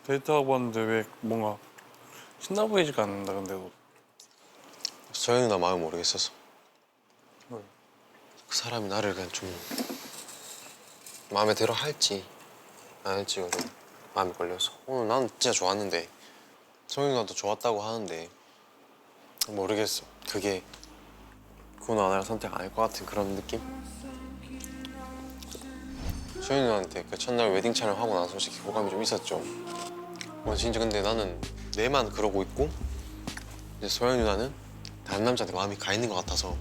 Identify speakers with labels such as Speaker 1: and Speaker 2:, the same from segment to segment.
Speaker 1: 데이트하고 왔는데 왜 뭔가 신나 보이지가 않는다. 근데도
Speaker 2: 소연이 나 마음 모르겠어서.
Speaker 1: 뭘?
Speaker 2: 그 사람이 나를 그냥 좀 마음에 들어 할지 안 할지가 좀 마음에 걸려서. 오늘 난 진짜 좋았는데 소연이 나도 좋았다고 하는데 모르겠어. 그게 그 누나를 선택 안 할 것 같은 그런 느낌? 소연이 누나한테 그 첫날 웨딩 촬영하고 나서 솔직히 호감이 좀 있었죠. 진짜 근데 나는 내만 그러고 있고 이제 소연이 누나는 다른 남자한테 마음이 가 있는 것 같아서.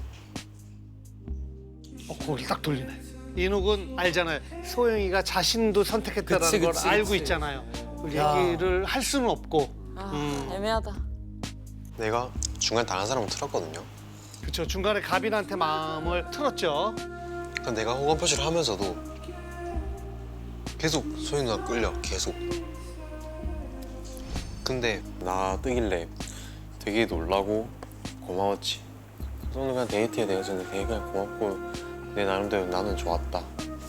Speaker 3: 거기 딱 돌리네. 인욱은 알잖아요. 소영이가 자신도 선택했다라는 걸 알고 있잖아요. 그 얘기를 할 수는 없고.
Speaker 4: 애매하다.
Speaker 2: 내가 중간 다른 사람을 틀었거든요.
Speaker 3: 그렇죠. 중간에 가빈한테 마음을 틀었죠.
Speaker 2: 그러니까 내가 호감 표시를 하면서도 계속 소연이 누나 끌려, 계속. 근데 나 뜨길래 되게 놀라고 고마웠지. 그래서 오늘 그냥 데이트에 대해서는 되게 그냥 고맙고 내 나름대로 나는 좋았다.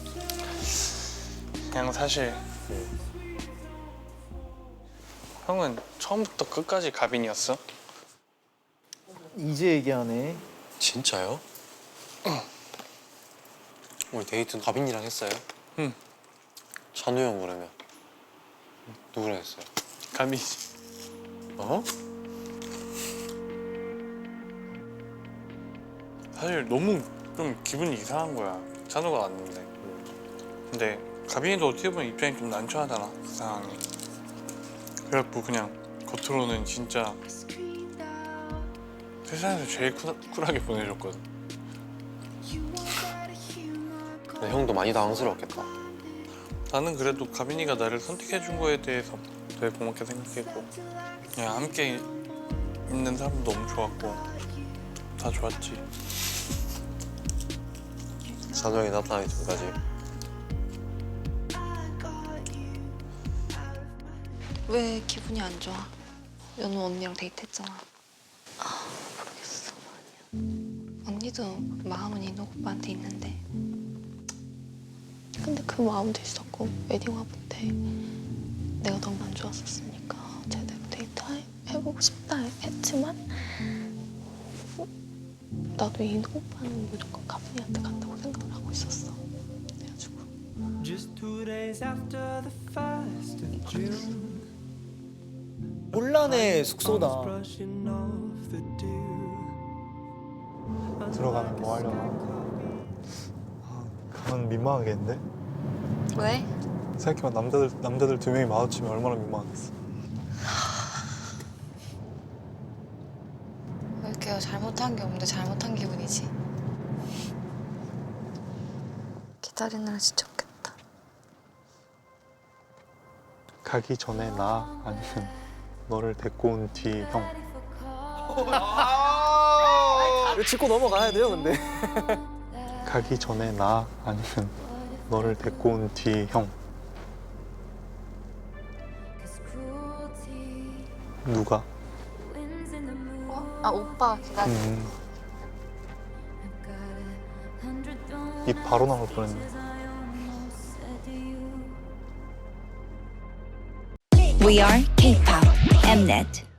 Speaker 1: 그냥 사실 형은 처음부터 끝까지 가빈이었어?
Speaker 5: 이제 얘기하네.
Speaker 2: 진짜요? 오늘 데이트는 가빈이랑 했어요?
Speaker 1: 응.
Speaker 2: 찬우 형 그러면 누구랑 했어요?
Speaker 1: 가빈이지.
Speaker 2: 어?
Speaker 1: 사실 너무 좀 기분이 이상한 거야. 찬우가 왔는데. 근데 가빈이도 어떻게 보면 입장이 좀 난처하잖아, 그 상황이. 그래갖고 그냥 겉으로는 진짜 세상에서 제일 쿨하게 보내줬거든.
Speaker 2: 근데 형도 많이 당황스러웠겠다.
Speaker 1: 나는 그래도 가빈이가 나를 선택해준 거에 대해서 되게 고맙게 생각했고 그냥 함께 있는 사람도 너무 좋았고 다 좋았지.
Speaker 2: 찬우 형이 나타나기 전까지.
Speaker 6: 왜 기분이 안 좋아? 연우 언니랑 데이트했잖아. 모르겠어. 아니야. 언니도 마음은 인욱 오빠한테 있는데. 근데 그 마음도 있었고 웨딩 화보 때 내가 너무 안 좋았었으니까 제대로 데이트 해보고 싶다 했지만 나도 인욱 오빠는 무조건 가빈이한테 간다고 생각을 하고 있었어. 그래가지고
Speaker 7: Just 2 days after the 1st of June,
Speaker 5: 혼란의 숙소다.
Speaker 7: brushing off the dew.
Speaker 8: 들어가면 뭐 하려나? 가면 민망하겠는데?
Speaker 6: 왜?
Speaker 8: 생각해봐, 남자들 2명이 마주치면 얼마나 민망하겠어.
Speaker 6: 왜 이렇게 잘못한 게 없는데 잘못한 기분이지? 기다리느라 지쳤겠다.
Speaker 8: 가기 전에 나 아니면 너를 데리고 온 뒤 형.
Speaker 5: 이거 짚고 넘어가야 돼요, 근데.
Speaker 8: 가기 전에 나 아니면 너를 데리고 온 뒤 형. 누가?
Speaker 6: 오빠 기다려.
Speaker 8: 입 바로 나올 뻔했네.
Speaker 9: We are K-pop Mnet.